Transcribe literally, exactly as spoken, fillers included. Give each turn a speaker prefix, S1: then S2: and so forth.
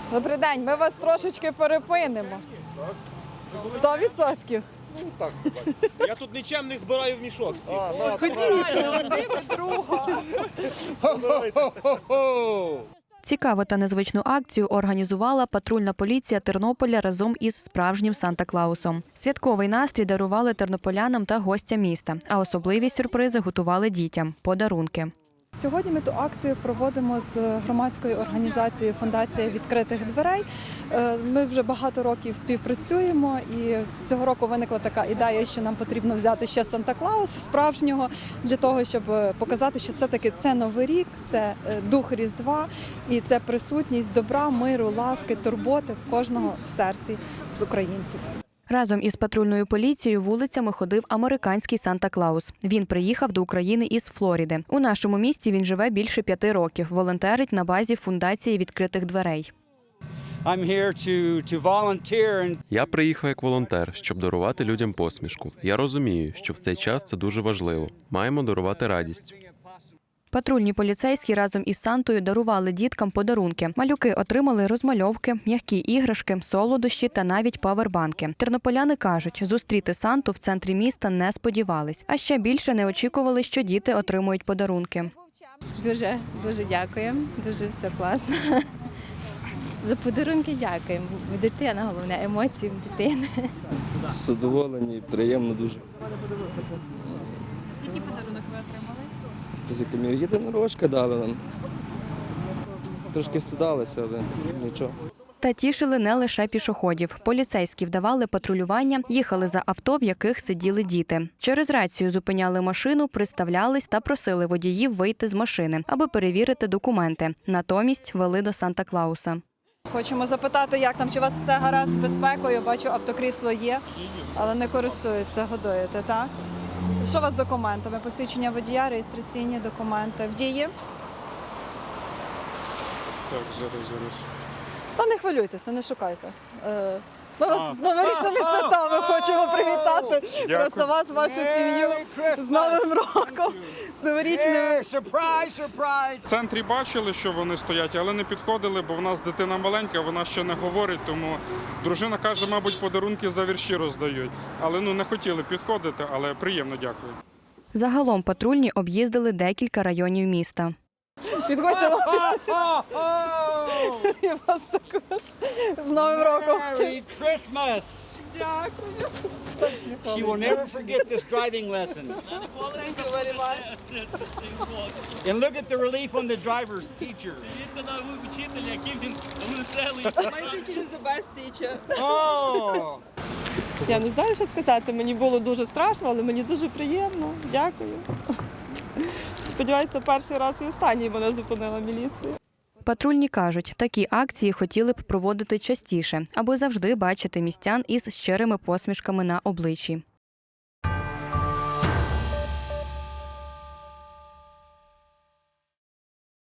S1: Добрий день, ми вас трошечки перепинимо. Сто відсотків.
S2: Ну, так сказати.
S3: Я тут нічемних збираю в мішок всіх.
S2: А, на,
S1: Ходіть, один друга.
S4: Цікаву та незвичну акцію організувала патрульна поліція Тернополя разом із справжнім Санта-Клаусом. Святковий настрій дарували тернополянам та гостям міста, а особливі сюрпризи готували дітям – подарунки.
S5: Сьогодні ми ту акцію проводимо з громадською організацією «Фундація відкритих дверей». Ми вже багато років співпрацюємо, і цього року виникла така ідея, що нам потрібно взяти ще Санта-Клауса справжнього, для того, щоб показати, що все-таки це Новий рік, це дух Різдва, і це присутність добра, миру, ласки, турботи в кожного в серці з українців.
S4: Разом із патрульною поліцією вулицями ходив американський Санта-Клаус. Він приїхав до України із Флориди. У нашому місті він живе більше п'яти років, волонтерить на базі фундації відкритих дверей.
S6: Я приїхав як волонтер, щоб дарувати людям посмішку. Я розумію, що в цей час це дуже важливо. Маємо дарувати радість.
S4: Патрульні поліцейські разом із Сантою дарували діткам подарунки. Малюки отримали розмальовки, м'які іграшки, солодощі та навіть павербанки. Тернополяни кажуть, зустріти Санту в центрі міста не сподівались. А ще більше не очікували, що діти отримують подарунки.
S7: Дуже, дуже дякуємо, дуже все класно. За подарунки дякуємо. Дитина, головне, емоції дитини.
S8: Задоволені, приємно дуже.
S1: Який подарунок ви отримали?
S8: З єдинорожка дали нам. Трошки встидалися, але нічого.
S4: Та тішили не лише пішоходів. Поліцейські вдавали патрулювання, їхали за авто, в яких сиділи діти. Через рацію зупиняли машину, представлялись та просили водіїв вийти з машини, аби перевірити документи. Натомість вели до Санта-Клауса.
S5: Хочемо запитати, як там, чи у вас все гаразд з безпекою? Бачу, автокрісло є, але не користуються, годуєте, так? Що у вас з документами? Посвідчення водія, реєстраційні документи. В дії?
S2: Так, зараз, зараз.
S5: Та не хвилюйтеся, не шукайте. Е, Ми вас з новорічними святами хочемо привітати. Просто вас, вашу сім'ю з Новим роком, з новорічними.
S9: В центрі бачили, що вони стоять, але не підходили, бо в нас дитина маленька, вона ще не говорить, тому дружина каже, мабуть, подарунки за вірші роздають. Але ну не хотіли підходити, але приємно, дякую.
S4: Загалом патрульні об'їздили декілька районів міста.
S5: Підходьте і вас також з Новим роком.
S10: Merry Christmas!
S5: Дякую.
S10: She will never forget this driving lesson.
S5: Thank you very much.
S10: And look at the relief on the driver's teacher.
S5: My teacher is the best teacher.
S10: Oh!
S11: Я не знаю, що сказати. Мені було дуже страшно, але мені дуже приємно. Дякую. Сподіваюся, перший раз і останній мене зупинила міліція.
S4: Патрульні кажуть, такі акції хотіли б проводити частіше, аби завжди бачити містян із щирими посмішками на обличчі.